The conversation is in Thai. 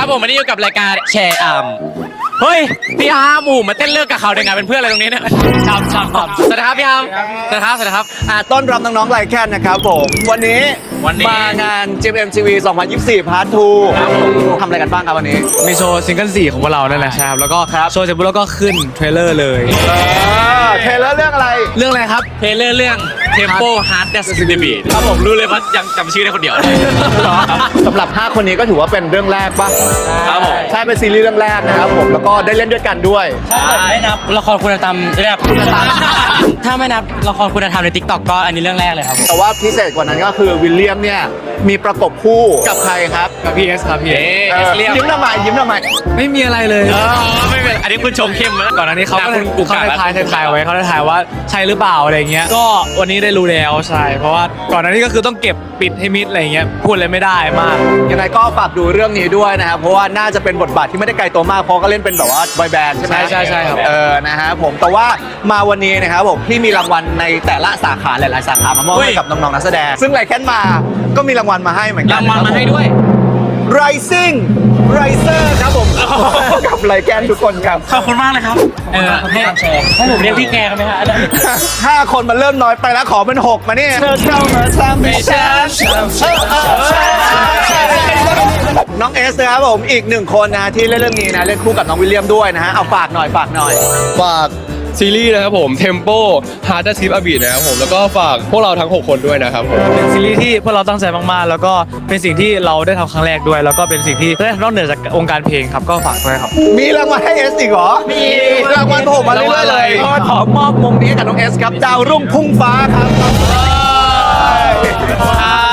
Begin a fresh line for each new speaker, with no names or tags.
ครับผมวันนี้อยู่กับรายการแชร์เฮ้ยพี่อาร์มมาเต้นเลิกกับเขาได้ไงเป็นเพื่อนอะไรตรงนี้เนี่ยครับสวัสดีครับพี่อาร์มสวัสดีครับ
ต้อนรับน้องๆไลแคนนะครับผมวันนี้มางาน GMMTV 2024 Part 2ทำอะไรกันบ้างครับวันนี้
มีโชว์ซิงเกิล4ของพวกเรานั่นแหละครับแล้วก็โชว์เสร็จปุ๊บแล้วก็ขึ้นเทรลเลอร์เลย
เทรลเลอร์เรื่องอะไร
ครับ
เทเลอร์เรื่อง Tempo Hard Dance in the Beat ครับผมรู้เลยว่ายังจำชื่อได้คนเดียว
สำหรับ5คนนี้ก็ถือว่าเป็นเรื่องแรกป่ะ
ครับผม
ใช่เป็นซีรีส์เรื่องแรกนะครับผมแล้วก็ได้เล่นด้วยกันด้วย
ไม่นับละครคุณธรรมถ้าไม่นับละครคุณธรรมใน TikTok ก็อันนี้เรื่องแรกเลยครับผม
แต่ว่าพิเศษกว่านั้นก็คือวิลเลียมเนี่ยมีประกบคู่กับใครครับ
กับพี่เอสครับพี่เอส
ยิ้มทำไม
ไม่มีอะไรเลย
ไม่เป็นอันนี้คุณชมเข้มแล้ว
ก่อนอันนี้เขาได้ทายไว้เขาได้ทายว่าใช่หรือเปล่าอะไรเงี้ยก็วันนี้ได้รู้แล้วใช่เพราะว่าก่อนอันนี้ก็คือต้องเก็บปิดให้มิดอะไรเงี้ยพูดเลยไม่ได้มาก
ยังไงก็ฝากดูเรื่องนี้ด้วยนะครับเพราะว่าน่าจะเป็นบทบาทที่ไม่ได้ไกลตัวมากเพราะก็เล่นเป็นแบบว่าบอยแบนด์ใช่ไหม
ใช่ครับ
นะฮะผมแต่ว่ามาวันนี้นะครับผมที่มีรางวัลในแต่ละสาขาหลายๆสาขามามอบให้กับน้องๆนักแสดงซึ่งไลแคนมาก็มีรางวัลมาให้เหมือนกัน
รางวัลมาให้ด้วย
Rising Riser ครับผมกับไลแคนทุกคนครับ
ขอบคุณมากเลยครับให้ผมเรียกพี่แกกันไหมฮะ
5 คนมันเริ่มน้อยไปแล้วขอเป็น6มาเนี่ยเธอเข้ามาทำให้ฉันน้องเอสนะครับผมอีก1คนนะที่เล่นเรื่องนี้นะเล่นคู่กับน้องวิลเลียมด้วยนะฮะเอาฝากหน่อย
ฝากซีรีส์นะครับผม Tempo Hard Dance in the Beat นะครับผมแล้วก็ฝากพวกเราทั้ง6คนด้วยนะครับผม
เป็นซีรีส์ที่พวกเราตั้งใจมากๆแล้วก็เป็นสิ่งที่เราได้ทำครั้งแรกด้วยแล้วก็เป็นสิ่งที่ได้นอกเหนือจากวงการเพลงครับก็ฝากด้วยครับ
มีรางวัลให้เอสอีกเหรอมีรางวัลผมมาเรื่อยๆเลยขอมอบมงนี้กับน้องเอสครับดาวรุ่งพุ่งฟ้าครับ